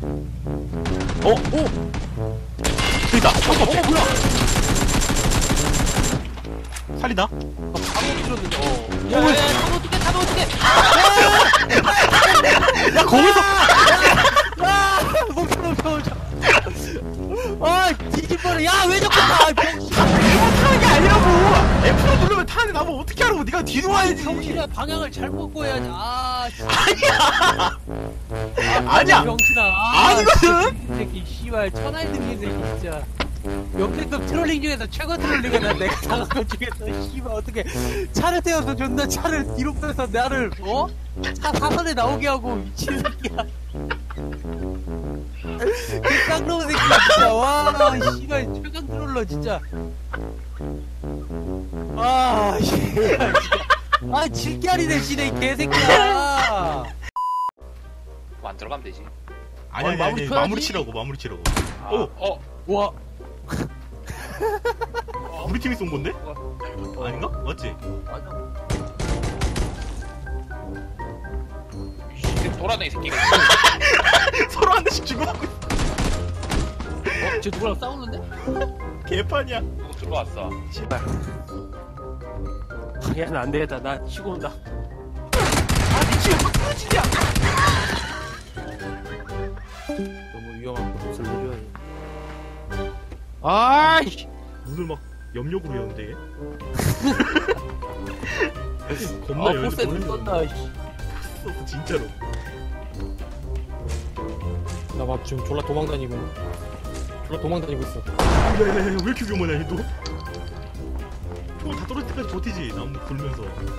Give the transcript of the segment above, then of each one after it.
오! 저기다! 뭐야! 살리다? 방어 들었는데, 야, 타도 어떡해! 야, 거기서! 멈춰. 뒤집어라. 야, 왜 자꾸 타! 병신. 타는 게 아니라고! F로 누르면 타는데 나뭐 어떻게 하라고! 네가 뒤로 와야지! 병신아, 방향을 잘못 보여야지. 아니야! 병신아. 아니거든! 이 새끼, 씨발, 천하의 등인 새끼, 진짜. 역대급 트롤링 중에서 최고 트롤링이다. 내가 당한 것 중에서, 씨발, 어떻게. 차를 태워서 존나 차를 뒤로 빼서 나를, 차 사선에 나오게 하고, 미친 새끼야. 그 깡놈 새끼, 진짜. 와, 씨발, 최강 트롤러, 진짜. 씨발, 진짜. 질기아리네, 지네, 이 개새끼야. 안 들어가면 되지. 아니, 마무리 치라고. 와. 우리 팀이 쏜 건데? 아닌가? 맞지? 맞아. 돌아다니 새끼가. 서로 한 대씩 주고받고 있어. 쟤 누구랑 싸우는데? 개판이야. 누구 들어왔어. 야, 나 안 되겠다. 나 치고 온다. 미치겠어. 끊어지냐? 너무 위험한 곳을 내려야지. 아이씨! 눈을 막 염력으로 여는데 얘? 겁나 여는데 포스에 눈 떴다, 씨. 포스 진짜로. 나 막 지금 졸라 도망다니고 있어. 야야야야 왜 이렇게 위험하냐 얘도? 총알 다 떨어질 때까지 버티지 나무 굴면서.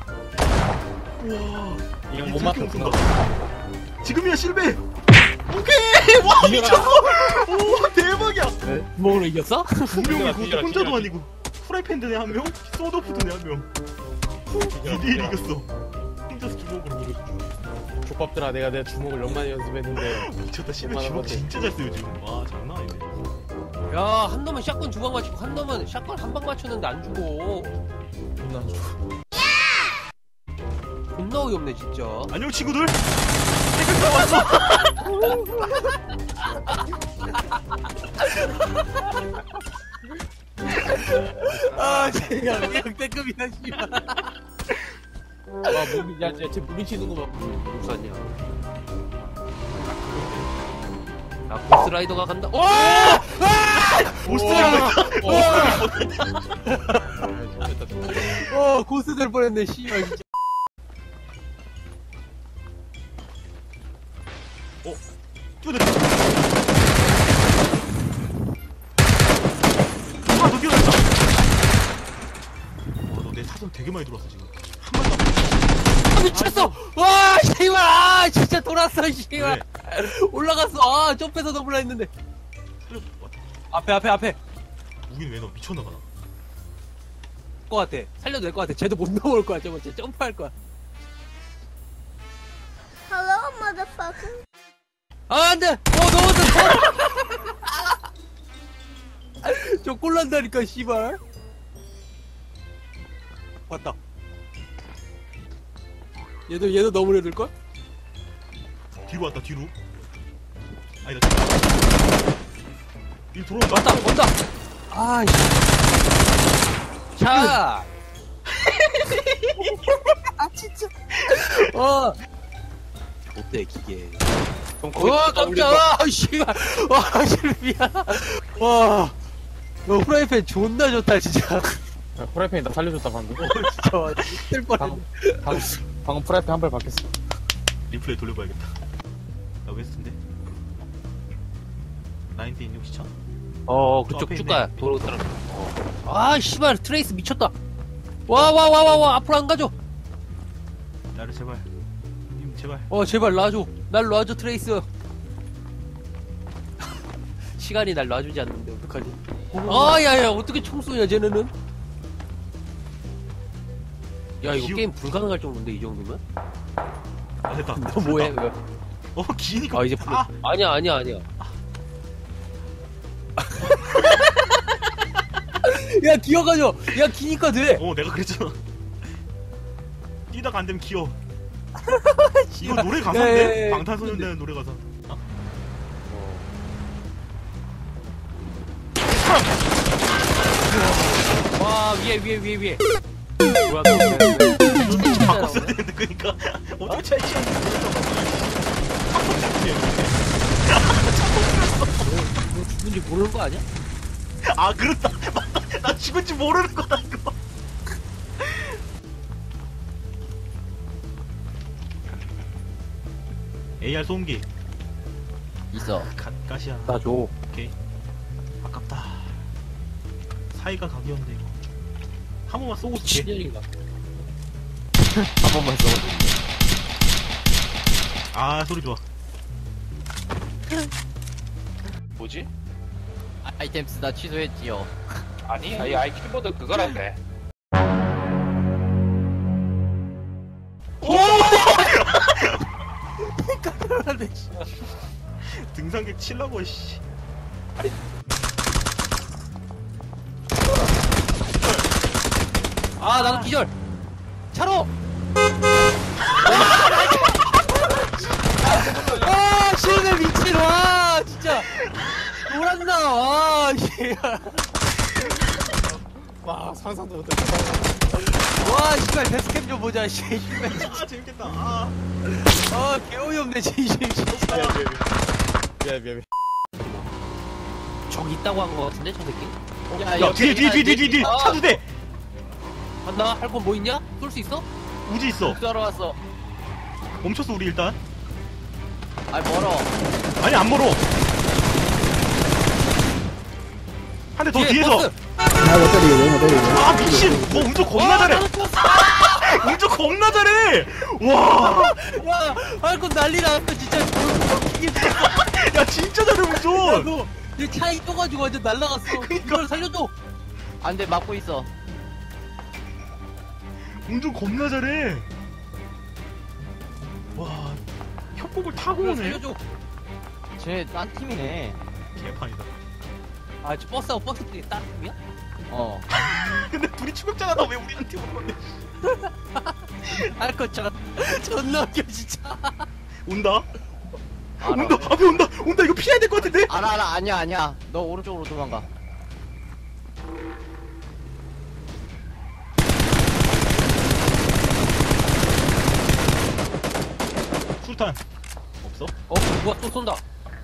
우와 이건 이 못 저렇게 맞췄구나. 웃긴다. 지금이야 실베. 오케이 와 미쳤어. 오 대박이야. 구멍으로 이겼어? 분명히 그것도 뒤져라, 혼자도 뒤져라. 아니고 프라이팬 드네 한 명, 소드오프 드네 한 명. 2대1 이겼어. 혼자서 주먹으로. 족밥들아, 내가 주먹을 얼마나 연습했는데. 미쳤다. 실베 얼마나 주먹 버텨. 진짜 잘 써요 지금. 와 장난 아니네. 야, 한 놈은 샷건 2방 맞추고, 한 놈은 샷건 1방 맞췄는데 안 죽어. 존나 안 좋아. 존나 어이없네, 진짜. 안녕 친구들. 태극 왔어. 제가 역대급이다, 씨발. 쟤 무빙치는 거 봐. 못 샀냐? 야, 고스라이더가 간다. 오! 고스 될 뻔했네, 씨발, 진짜. 뛰어들어. 너 뛰어들었다. 너 내 사전 되게 많이 들어왔어 지금. 한 번도 안 미쳤어! 와, 씨발! 진짜 돌았어, 씨발! 왜? 올라갔어! 점프해서 넘으려 했는데. 살려. 왔다. 앞에. 우긴 왜 너 미쳤나봐 나. 것 같아. 살려도 될 것 같아. 쟤도 못 넘어올 거야, 저거. 쟤 점프할 거야. Hello, motherfucker. 안 돼! 넘었어! 저 꼴난다니까, 씨발. 왔다. 얘도 넘으려 들걸? 뒤로 왔다 뒤로. 아니다. 일 들어온다. 온다! 아이씨. 자! 진짜. 어때, 기계. 깜짝아! 씨발! 와, 실비야! 와! 너 후라이팬 존나 좋다, 진짜. 프라이팬이 나 살려줬다 방금. 진짜, 와, 뜰 뻔했네. 방금 프라이팬 한 발 박혔어. 리플레이 돌려봐야겠다. 나 웨스트인데. 19 시청. 그쪽 앞에 쭉 있네. 가야. 도로 따라. 씨발, 트레이스 미쳤다. 와, 앞으로 안 가죠? 나를 제발. 님 제발. 제발 놔줘. 날 놔줘, 트레이스. 시간이 날 놔주지 않는데, 어떡하지? 야, 어떻게 총 쏘냐, 쟤네는? 야, 이거 게임 불가능할 정도인데, 이 정도면? 아 됐다. 너 뭐해? 왜? 기니까. 이제 풀려. 아니야. 야, 기어가죠. 야, 기니까 돼. 내가 그랬잖아. 뛰다가 안 되면 기어. 이거 노래 가사인데? 네. 방탄소년단 노래 가사. 와, 위에. 뭐야, 너 왜? 바꿨어야 되는데 그니까 어떻게 차이 치는지 너 죽은지 모르는 거 아니야? 아 그렇다 맞다 나 죽은지 모르는 거다 이거 AR 소음기 있어. 가시야 나 줘. 오케이 아깝다 사이가 각이었는데 이거 한 번만 쏘고 쓸게 7년인가. 한 번만 써. 아 소리 좋아 뭐지? 아이템 쓰다 취소했지요. 아니 아이 키보드 그거란데. 등산객 칠라고 씨 아, 나도 기절. 차로. 아, 시원해 미친. 와, 진짜. 놀았나. 와, 씨. 와, 상상도 못해. 와, 씨발 데스캠 좀 보자. 씨. 씨발. 아 재밌겠다 아 아, 개어이 없네, 진심. 진짜. 미안. 저기 있다고 한 거 같은데, 저 새끼? 야 뒤에 차 두 대 간다. 할 건 뭐 있냐? 쏠 수 있어? 우지 있어 쏘러 왔어. 멈췄어 우리 일단 아 멀어. 아니 안 멀어 한 대 더 뒤에 뒤에서 버스. 아 미친 뭐 운전 겁나 잘해 운전 겁나 잘해 와야 와, 할 건 난리 났어, 진짜. 진짜 잘해 야, 운전 너, 내 차에 떠가지고 완전 날라갔어. 이걸 살려줘. 안돼 막고 있어. 운전 겁나 잘해 와 협곡을 타고 이걸 오네 살려줘. 쟤딴 팀이네. 개판이다 아, 저 버스하고 버스 중에 다른 팀이야? 어. 근데 둘이 추격자가 나 왜 우리한테 오는 건데 할 거 존나 웃겨, 진짜. 온다 알아. 온다 앞에 온다 이거 피해야 될 것 같은데 알아 아니야. 너 오른쪽으로 도망가. 술탄 없어? 누가 또 쏜다.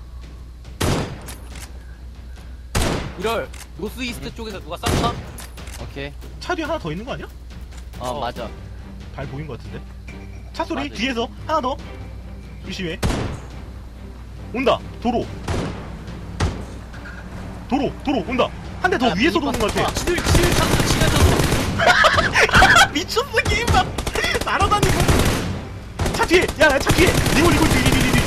이럴, 노스 이스트 쪽에서 누가 쐈나? 오케이. 차 뒤에 하나 더 있는 거 아니야? 어 맞아. 발 보인 것 같은데 차 소리 맞아. 뒤에서 하나 더 조심해 온다 도로 온다 한 대 더 야, 위에서도 오는 미니버스 것 같아 지들 찼어, 지가 찼어. 미쳤어 게임아 날아다니고 차 뒤에 차 뒤에 리고 뒤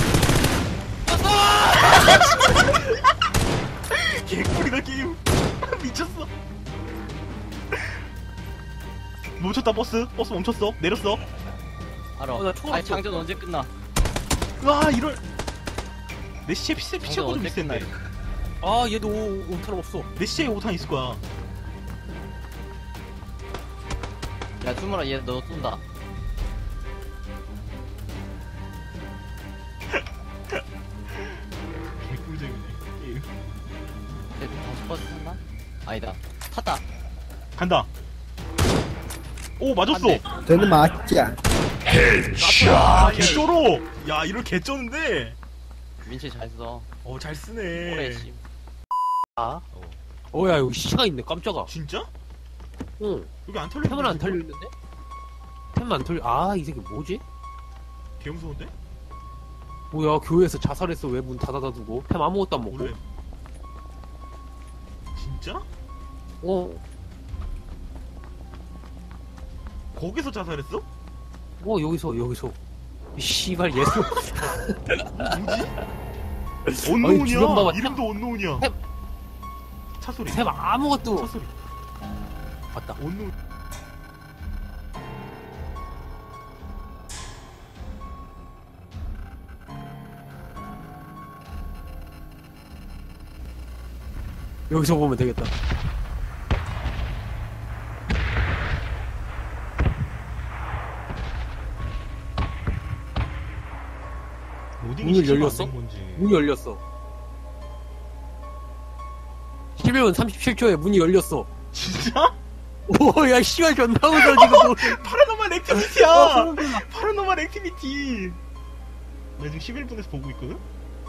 개꿀이다 게임 미쳤어 멈췄다 버스 멈췄어 내렸어 알아. 나 초월 아니 없어. 장전 언제 끝나? 와 이럴 내 시체 장전 피체보다 언제 비싼데 끝나? 아, 얘도 오탄 없어. 내 시체에 5탄 있을 거야 야 수물아 얘 너 쏜다. 개꿀잼이네 게임 쟤 다시 버스 탔나? 아니다. 탔다. 간다 오 맞았어 안 돼. 저는 맞자. 야 개쩔어 야 이럴 개쩌는데 민철 잘 써. 잘 오래 쓰네 씨. 아? 야, 여기 시체가 있네, 깜짝아. 진짜? 응. 여기 안 털려 템은 안 털려있는데? 템은 안 털려. 아, 이 새끼 뭐지? 개 무서운데? 뭐야, 교회에서 자살했어. 왜 문 닫아다 두고? 템 아무것도 안 먹고? 원래 진짜? 거기서 자살했어? 여기서. 이 씨발, 예수. 뭐지? 주변 온노운이야 봐봐. 이름도 온노운이야 템. 차 소리 템 아무것도. 차 소리 맞다. 온노운 여기서 보면 되겠다. 로딩이 문을 시체가 열렸어? 안된 건지. 문이 열렸어. 11분 37초에 문이 열렸어. 진짜? 오야 씨발 존나 무서워 지금. 파라노말 액티비티야. 소름 돋아. 파라노말 액티비티. 나 지금 11분에서 보고 있거든?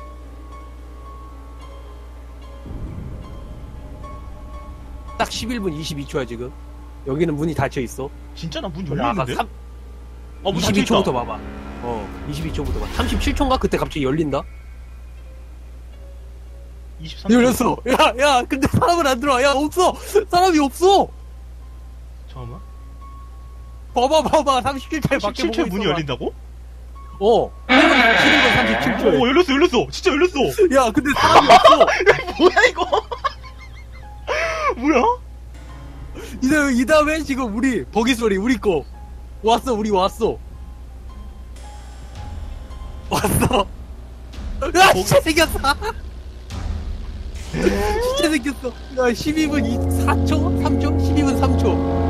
딱 11분 22초야 지금. 여기는 문이 닫혀 있어. 진짜 나 문 아까 열려있는데? 3, 문 22초부터 봐봐. 22초부터 봐. 37초인가? 그때 갑자기 열린다? 23초. 열렸어. 야, 근데 사람은 안 들어와. 야, 없어. 사람이 없어. 잠깐만. 봐봐. 37초에 밖에 17초에 보고 문이 있어. 열린다고? 11분 37초에. 오, 열렸어. 진짜 열렸어. 야, 근데 사람이 없어. 뭐야, 이거? 뭐야? 이 다음에 지금 우리, 버기 소리, 우리 거. 우리 왔어. 야, 진짜 생겼어. 진짜 생겼어. 야, 12분 4초? 3초? 12분 3초.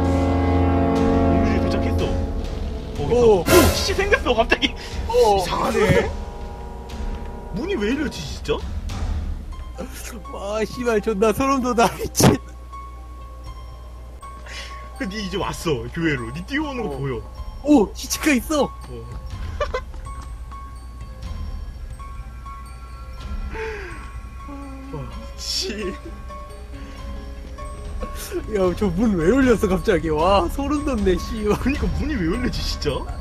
공주에 도착했어. 오. 오, 진짜 생겼어, 갑자기. 이상하네. 문이 왜 이러지, 진짜? 와, 씨발, 존나 소름 돋아. 미친. 니 이제 왔어, 교회로. 니 뛰어오는 거 보여. 오, 시체가 있어. 씨. 야, 저 문 왜 열렸어, 갑자기. 와, 소름 돋네, 씨. 그니까 문이 왜 열리지, 진짜?